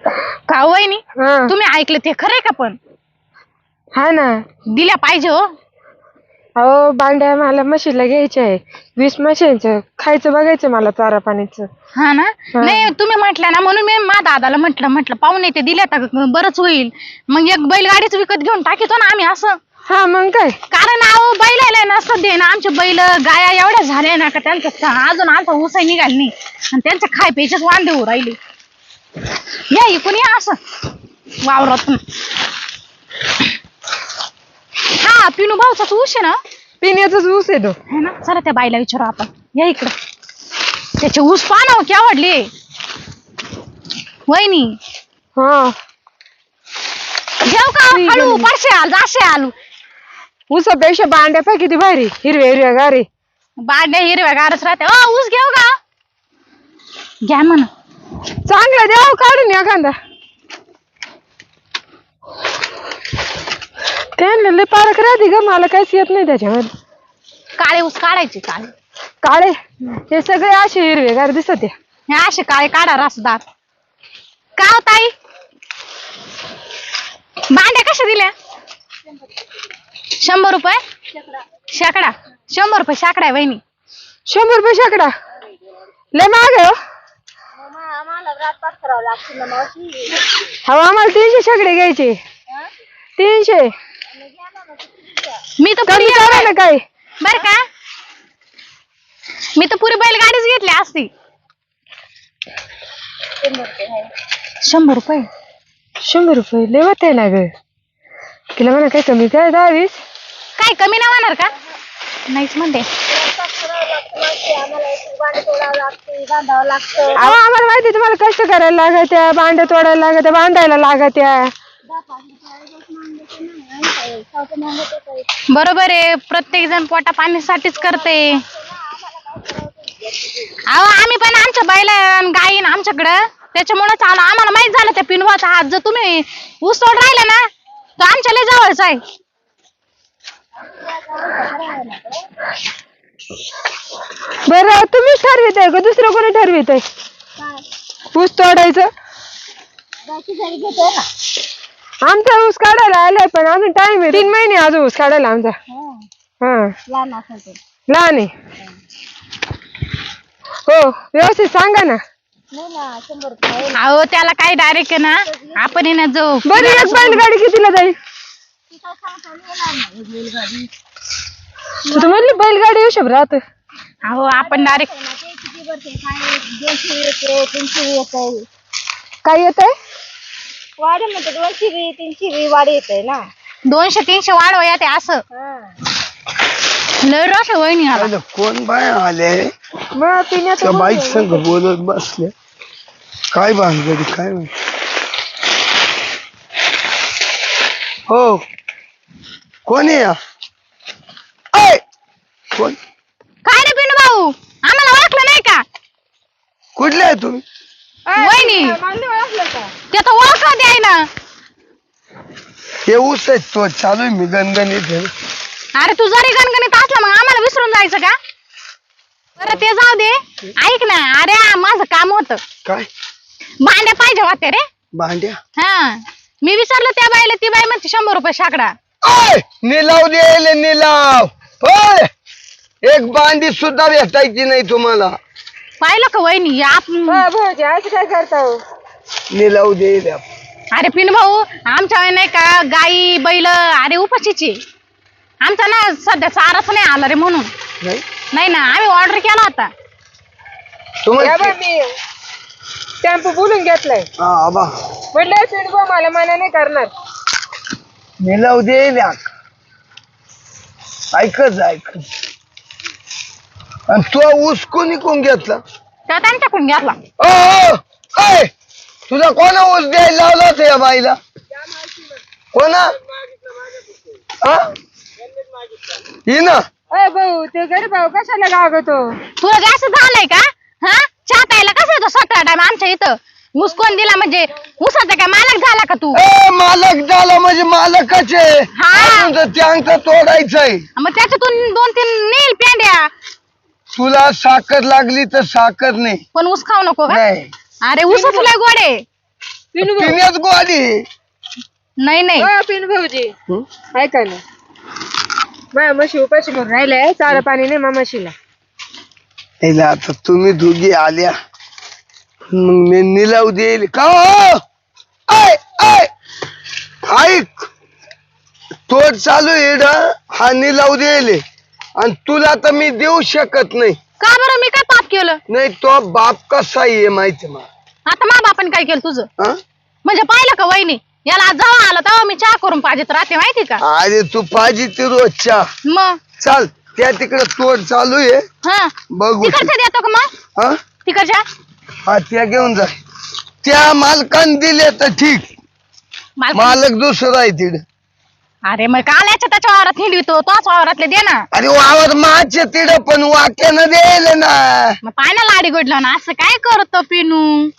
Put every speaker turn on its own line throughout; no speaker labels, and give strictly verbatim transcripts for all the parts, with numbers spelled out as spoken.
का वहिनी
हा
तुम्ही ऐकलं ते खरंय का? पण
हा ना.
दिल्या पाहिजे हो.
अहो बांड्या मला म्हशीला घ्यायच्या आहे. वीस म्हशींचं खायचं बघायचं मला चारा पाणीचं.
हा ना. नाही तुम्ही म्हटलं ना म्हणून मी मा दादाला म्हटलं म्हटलं पाहुणे ते दिल्या तर बरंच होईल. मग एक बैलगाडीच विकत घेऊन टाकीतो ना आम्ही असं.
हा मग काय.
कारण अहो बैल ना सध्या ना आमचे बैल गाया एवढ्या झाल्या ना का त्यांचं अजून आमचा ऊसही निघाल नाही आणि त्यांचे खाय प्यायचेच वांदे होऊ राहिले. या इकून या असं वावरातून. हा पिनू भाऊचाच ऊस आहे ना.
पिण्याचाच ऊस आहे तो.
है ना. चला त्या बाईला विचारू आपण. या इकडं. त्याचे ऊस पाहना की आवडले वहिनी.
हा
घेऊ का हळू पाचशे आल जाशे आलू.
ऊसापेक्षा बांड्या पाय किती भारी हिरव्या हिरव्या गारी.
बांड्या हिरव्या गारच राहते. अ ऊस घेऊ का? घ्या म्हणा.
चांगला द्याव काढून एखादा. त्यांना लय पारख राहते ग मला काहीच येत नाही त्याच्यामध्ये.
काळे ऊस काढायचे काळे.
काळे हे सगळे असे हिरवे गार दिसत.
हे असे काळे काढा रसदार. का हो ताई बांड्या कशा दिल्या? शंभर रुपये शेकडा. शंभर रुपये शेकडा आहे वहिनी.
शंभर रुपये शेकडा लय महाग आहे. हो आम्हाला तीनशे शेकडे घ्यायचे. तीनशे
मी तर पुरी
करा ना काय
बर का. मी तर पुरी बैलगाडीच घेतली असती. शंभर रुपये
शंभर रुपये लय होते ना ग. तिला म्हणा काय कमी काय दहावीस.
काय कमी नाही होणार का? नाहीच म्हणते.
अहो आम्हाला माहिती तुम्हाला कष्ट करायला लागत्या बांड्या तोडायला लागत्या बांधायला लागत्या.
बरोबर आहे. प्रत्येक जण पोटा पाण्यासाठीच करते. अहो आम्ही पण आमच्या बैला गायीन आमच्याकडं त्याच्यामुळेच आलो. आम्हाला माहित झालं त्या पिनवाचा हात जर तुम्ही ऊस तोड राहिला ना तर आमच्या लय जवळच आहे.
बरं तुम्हीच ठरवित आहे का दुसरं कोणी ठरवित आहे ऊस तोडायचं? आमचा ऊस काढायला आलाय पण अजून टाइम आहे. तीन महिने अजून ऊस काढायला आमचा. हा लहान आहे. हो व्यवस्थित सांगा ना.
अहो त्याला काही डायरेक्ट ना आपण ना जो
बरं एक बैलगाडी कितीला जाईल? तुम्हाला बैलगाडी हिशोब राहत.
अहो आपण डायरेक्ट
काय येत आहे?
वाढ म्हणते दोनशे बी तीनशे बी वाढ येत आहे ना.
दोनशे तीनशे वाढवा या ते असं लय रस वहिनी आला.
कोण बाय आले
मग पिण्याचं
बाईक संग बोलत बसले. काय भानगडी काय माहिती. हो कोण आहे या? कोण
काय रे पिनू भाऊ आम्हाला ओळखलं नाही का?
कुठले आहे तुम्ही?
वहिनी ते तर ओळखलं द्याय ना.
हे ऊस आहे तो चालू आहे मी गणगणित आहे.
अरे तू जरी गणगणित असला मग आम्हाला विसरून जायचं का? बरं ते जाऊ दे. ऐक ना अरे माझं काम होतं.
काय
भांड्या पाहिजे होते रे.
भांड्या?
हा मी विचारलं त्या बाईला ती बाई म्हणते शंभर रुपये शेकडा.
निलाव द्यायला निलाव. होय एक बांडी सुद्धा भेटायची नाही तुम्हाला.
पाहिलं का वहिनी
भाऊजी असं काय करता हो?
निलाव द्यायला.
अरे पिन भाऊ आमच्या नाही का गाई बैल अरे उपाशीची आमचा ना सध्या चाराच नाही आला रे म्हणून. नाही ना आम्ही ऑर्डर केला होता.
मी टेम्पो बोलून घेतलाय. म्हटलं पिंडबो मला मना नाही करणार.
निलाव द्यायला ऐकच ऐक. आणि तो ऊस कोणी कोण घेतला?
त्या त्यांच्याकडून घेतला.
ओ तुझा कोणा ऊस द्यायला लावला होता या बाईला? कोणा? ना
भाऊ ते गरीब भाऊ कशाला लागतो?
तुला जास्त झालंय का? हा चहा प्यायला कसं येतो सतरा टाइम आमच्या इथं? ऊस कोण दिला म्हणजे ऊसाचा काय मालक झाला का तू?
ए मालक झाला म्हणजे मालकच आहे.
हा
त्यांचं तोडायचंय.
मग त्याच्यातून दोन तीन नेल पेंड्या.
तुला साखर लागली तर साखर नाही
पण ऊस खाऊ नको का?
नाही.
अरे ऊसच लय गोड आहे.
पिनू भाऊ
पिण्यात गोवाली
नाही नाही
अ, पिनू भाऊजी
हं?
ऐका ना माझ्या म्हशी उपाशी म्हणून राहिलाय चारा पाणी नाही मा म्हशीला
याला आता तुम्ही दोघी आल्या मग मी निलाव देईल का हो? आय आय ऐक तोड चालू येड हा निलाव देईल आणि तुला तर मी देऊ शकत नाही.
का बरं मी काय पाप केलं?
नाही तो बाप कसा आहे माहिती मला.
आता मा बापाने काय केलं तुझं?
हा?
म्हणजे पाहिलं का वहिनी याला जेव्हा आला तेव्हा मी चहा करून पाहिजेत राहते माहिती का?
अरे तू पाहिजे ती रोजच्या
मग
चाल त्या तिकडे तोड चालू आहे
हा
बघू
तिकडच्या देतो का मग?
हा
तिकडच्या
हा त्या घेऊन जा त्या मालकान दिले तर ठीक
मालक
मालक दुसरा आहे तिकडे.
अरे मग काल याच्या त्याच्या वावरात हिंडवितो तोच वावरातले दे ना.
अरे वावर माझे तिकडे पण वाक्यानं देईल ना.
मग पाय ना लाडी गोडलं ना असं काय करतो पिनू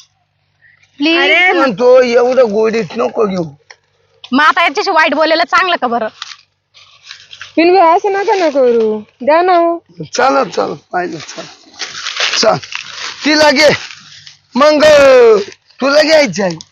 प्लीज.
म्हणतो एवढं गोडीत नको घेऊ.
मग आता याच्याशी वाईट बोलायला चांगलं का बरं?
पिनू भाऊ असं नका ना करू द्या ना हो.
चला चल पाहिलं चल चल तिला घे मग तुला घ्यायचं आहे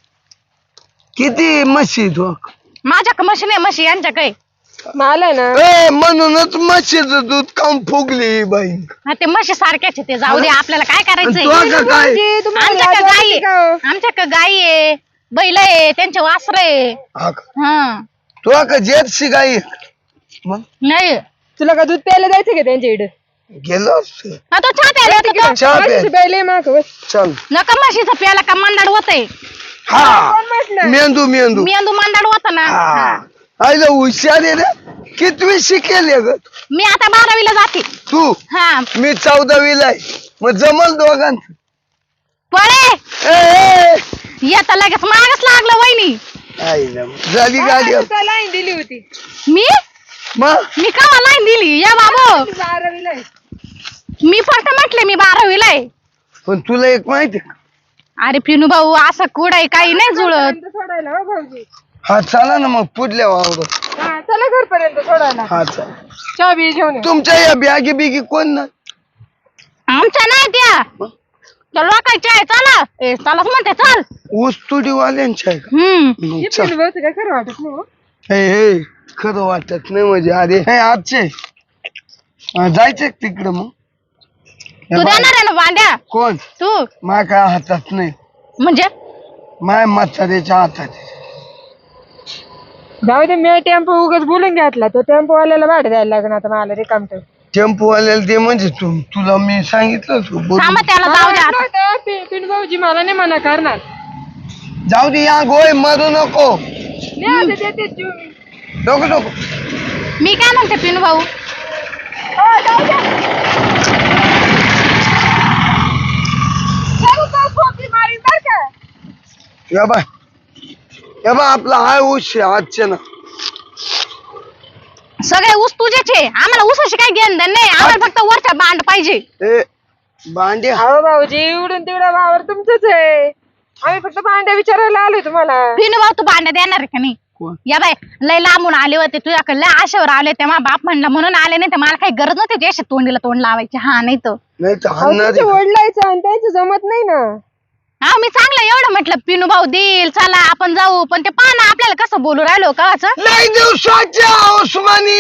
किती म्हशी तू
माझ्या म्हशी नाही म्हशी यांच्या काही
मला ना
ए म्हणूनच म्हशीचं दूध खाऊन फुगली बाई.
हा, ते म्हशी सारख्याच आहे ते जाऊ दे आपल्याला काय करायचंय.
तू का काय
आमच्या का गाई आहे आमच्या का गाई आहे बैल आहे त्यांचे वासर आहे.
हा का?
हा
तू का जर्सी गाई आहे? मग
नाही
तुला का दूध प्यायला जायचं का त्यांच्या इकडे
गेलो
हा, तो चहा प्यायला येतो तो.
चहा प्या.
प्यायले माग
चल
नका म्हशीचं प्यायला का मंदाड होतय.
हा मेंदू मेंदू
मेंदू मंदाड होता ना.
हा आईला हुशार आहे रे कितवी शिकेल ग
मी आता बारावीला जाते.
तू
हा
मी चौदावीला आहे मग जमल दोघांचं.
पळे
ए, ए,
येता लगेच मागच लागलं वहिनी.
आईला झाली गाडी
लाईन दिली होती
मी
मग
मी का लाईन दिली या बाबू.
बारावीला आहे.
मी फक्त म्हटले मी बारावीला आहे.
पण तुला एक माहिती का
अरे पिनू भाऊ असं कुडाय काही नाही जुळत.
घरपर्यंत सोडायला हो भाऊजी.
हा चला ना मग पुढल्या वावरात.
हा चला घरपर्यंत सोडायला
हा चल
चहा बी घेऊन ये.
तुमच्या या बॅगी बिगी कोण ना
आमच्या नाही त्या त्या लोकांच्या आहे. चला ए चलाच म्हणते चल.
ऊस तुडीवाल्यांच्या आहे का
हम्म
मग
हे
चल.
पिनू भाऊचं काय खरं वाटत नाही हो.
हे हे खरं वाटत नाही म्हणजे अरे हे आजचे हा, जायचंय का तिकडं मग हे
तू
बाय.
देणार आहे ना बांड्या
कोण
तू
माय काय हातात नाही
म्हणजे
माय म्हाताऱ्याच्या हातात आहे.
जाऊ दे मी टेम्पो उगाच बोलून घेतला तो टेम्पो वाल्याला भाडं द्यायला लागणार आता मला रिकामट
टेम्पोवाल्याला ते म्हणजे तू तुला मी सांगितलं तू बोल
थांबा त्याला जाऊ द्या आता.
पिनू भाऊजी मला नाही मना करणार
जाऊ दे या गोय मरू नको
नाही आता देते जीव मी.
नको नको
मी काय म्हणते पिनू भाऊ
हो, जाऊ द्या. खरं तर खोकी मारीन बरं का.
या बाय या बा आपला हाय ऊस आहे आजचे ना
सगळे ऊस तुझ्याचे आम्हाला ऊसाशी काय घेणं देणं नाही. आम्हाला फक्त वरच्या बांड पाहिजे.
ए बांडे
अहो भाऊजी इकडून तिकडं वावर तुमचंच आहे आम्ही फक्त भांड्या विचारायला आलोय तुम्हाला.
पिनू भाऊ तू बांड्या देणार आहे का नाही?
कोण?
या बाय लय लांबून आले होते तुझ्याकडे लय आशेवर आले तेव्हा बाप म्हणला म्हणून आले नाही तर मला काही गरज नव्हती त्याशी तोंडीला तोंड लावायची. हा नाही तर
नाही तर
अहो,
हाणणार
तुमच्या
आहे.
वडिलांचं आणि त्यांचं जमत नाही ना.
हा मी चांगलं एवढं म्हटलं पिनू भाऊ देईल चला आपण जाऊ पण ते पहा ना आपल्याला कसं बोलू राहिलो का असं.
लय दिवसाच्या उस्मानी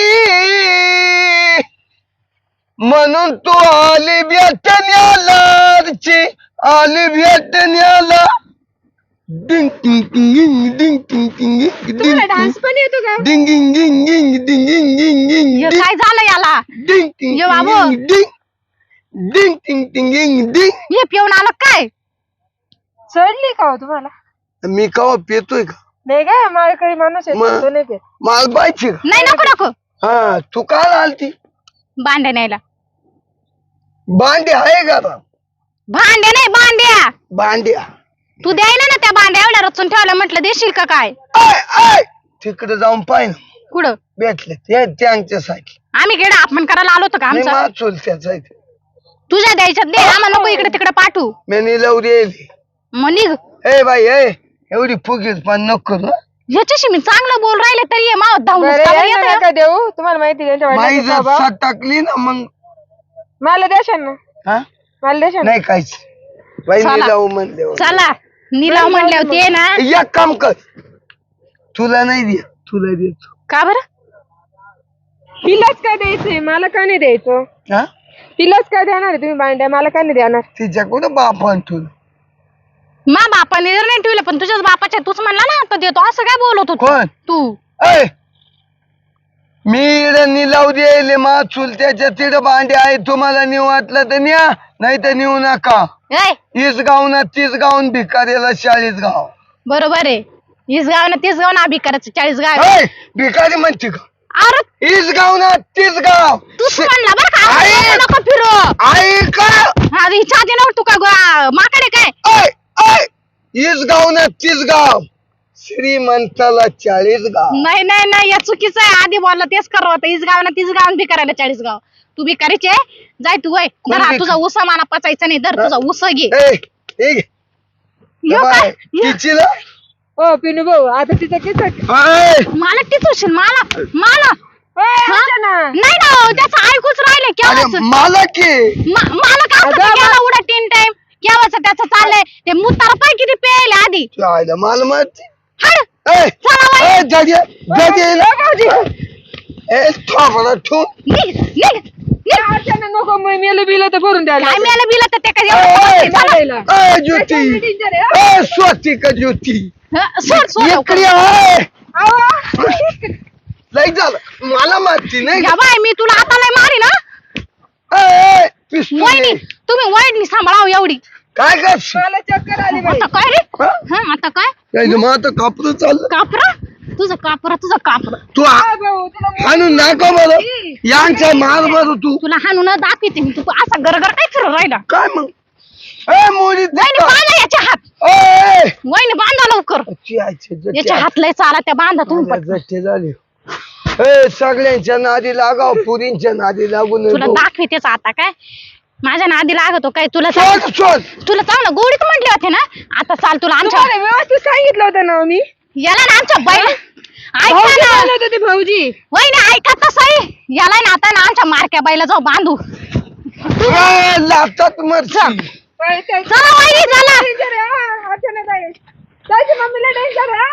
म्हणून तू आली भेटण्याला आली भेटण्याला डिंग टिंग टिंग डिंग टिंग टिंग
तुम्हाला डान्स पण येतो का?
डिंग डिंग डिंग डिंग डिंग डिंग डिंग डिंग
हे काय झालं याला
डिंग टिंग
ये बाबू.
डिंग डिंग टिंग टिंग डिंग डिंग.
हे पिऊन आलं काय?
चढली का हो तुम्हाला?
मी कवा पेतोय का
नाही काय माळकरी माणूस आहे
मग?
तो नाही पेत.
माल बायची का
नाही नको नको
हा तू काल आलती
भांड्या न्यायला.
बांडे आहे का आता?
भांड्या नाही बांड्या
बांड्या
तू द्यायला ना त्या बांड्या एवढ्या रचून ठेवल्या म्हटलं देशील का काय?
आय आय तिकडे जाऊन पाय ना
कुठं
भेटले ते त्यांच्यासाठी
आम्ही केडा अपमान करायला आलो होतो का
नाही
आमचा?
मा चुलत्याचा आहे.
तुझ्या द्यायच्यात दे आम्हाला नको इकडे तिकडे पाठवू.
मी निलव देली
मग निघ
ए बाई ए एवढी फुगीत पण नको करू, हं.
ह्याच्याशी मी चांगलं बोल राहिले तरी हे मावत धावून
बरं,
का
यांना
येतं?
नका देऊ तुम्हाला माहिती आहे त्यांच्या
बाई
वडिलांचा
जर
स्वभाव.
साथ टाकली ना मग
मला देशाल ना
हा
मला देशाल ना?
नाही काहीच बाई
चला.
निलाव म्हणले
चला निलाव म्हणले होते ना.
एक काम कर, तुला नाही दे, तुला देतो.
का बरं?
तिलाच काय द्यायचंय, मला का नाही द्यायचं?
हा
तिलाच काय देणार आहे तुम्ही भांड्या, मला का नाही देणार?
तिच्या कुठं बापान तुला
मा बापाने जर नाही ठेवले पण तुझ्याच बापाच्या तूच म्हणला ना आता देतो असं काय बोलत होतो
कोण
तू?
ऐ मी इकडे निलाव द्यायले मा चुलत्याच्या तिथं भांडे आहे, तुम्हाला नेऊ वाटलं तर न्या, नाही तर नेऊ नका.
ए
इस गाव ना तीस गावून भिकारीला चाळीस गाव.
बरोबर आहे. हीच गाव ना तीच गाव ना अभि करायचं चाळीस गाव.
ऐ भिकारी म्हणते का?
अरे
इस गाव ना तीस गाव.
तूच म्हणला बरं का
आहे.
असं नको फिरू.
ऐका
आधी छाती नव्हतं तू का गो- माकडे काय
ऐ ऐ इस गाव ना तीस गाव, श्रीमंताला चाळीस गाव.
नाही नाही नाही या चुकीचं आहे. आधी बोलला तेच कर होतं. हीच गाव ना तीच गाव बी करायला चाळीस गाव. तू बी करायचे जाय तू वय
कोण
धर हा
बी-
तुझा उसा माना पचायचा नाही. धर तुझा उसा घे.
ए ए घे.
यो
बाय.
काय यो.
तिची ना
ओ पिनू भाऊ, आता तिचं किती
ऐ
मला टिचवशील मला मला हा? नाही ना हो, त्याचं ऐकूच राहिले
अरे
केव्हाच
मला की
मा- मला का
अगं,
असं गेला उडा तीन टाइम केव्हाच त्याचं चाललंय ते मुतार पाय किती पेले आधी
चायला मला माहिती.
हड
ए
चला वय.
ए जागे जागे ए थांबला ठू.
निघ निघ निघ.
नको मेलं बिलं तर भरून द्यायला
काय मिळालं बिला तर ते काय
ए,
एवढं
ए,
चला.
ए ज्योती ए स्वाती का ज्योती
हं, सोड सोड लवकर.
इकडे आहे. लई झालं मला माहिती नाही.
या बाय मी तुला आता लय मारी ना.
ए, ए, पिस्तूल
वहिनी
आहे.
तुम्ही वहिनी सांभाळाव एवढी.
काय करशील?
मला चक्कर आली बाई.
आता काय रे
हा?
हं, आता काय
यायचं मग आता कापलं चाललं.
कापरा तुझं कापरा तुझं कापरा
तू
काय भाऊ, तुला
आणून नाका मला यांचा मार बर तू
तुला हाणून दाखवते मी. तू असा गरगर काय फिरून राहिला.
काय मग ए मोरी
वहिनी बांधा याच्या हात.
ए
वहिनी बांधा लवकर.
ची आईचे जट्टे
याच्या हात लय चाला त्या बांधा तुम्ही
मला
पटकन.
जट्टे झाले. ए सगळ्यांच्या नादी लागाव, पुरींच्या नादी लागू
तुला
नको.
दाखवतेच आता काय माझ्या नादी लागतो काय तुला
शोध
चांग-
शोध.
तुला चांगलं गोडीत म्हटले होते ना. आता चाल तुला आमच्या
तुम्हाला व्यवस्थित सांगितलं होतं ना मी.
याला ना आमच्या बैल ऐका
भाऊजी
ना
बोलत होते ते भाऊजी.
वहिनी ऐका तसं याला ना आता ना आमच्या मारक्या बैला जाऊ बांधू.
ए, लागतात मरची.
पण ते-
चला वहिनी चला.
डेंजर आहे, हा, अचानक आहे. त्याची मम्मीला डेंजर आहे.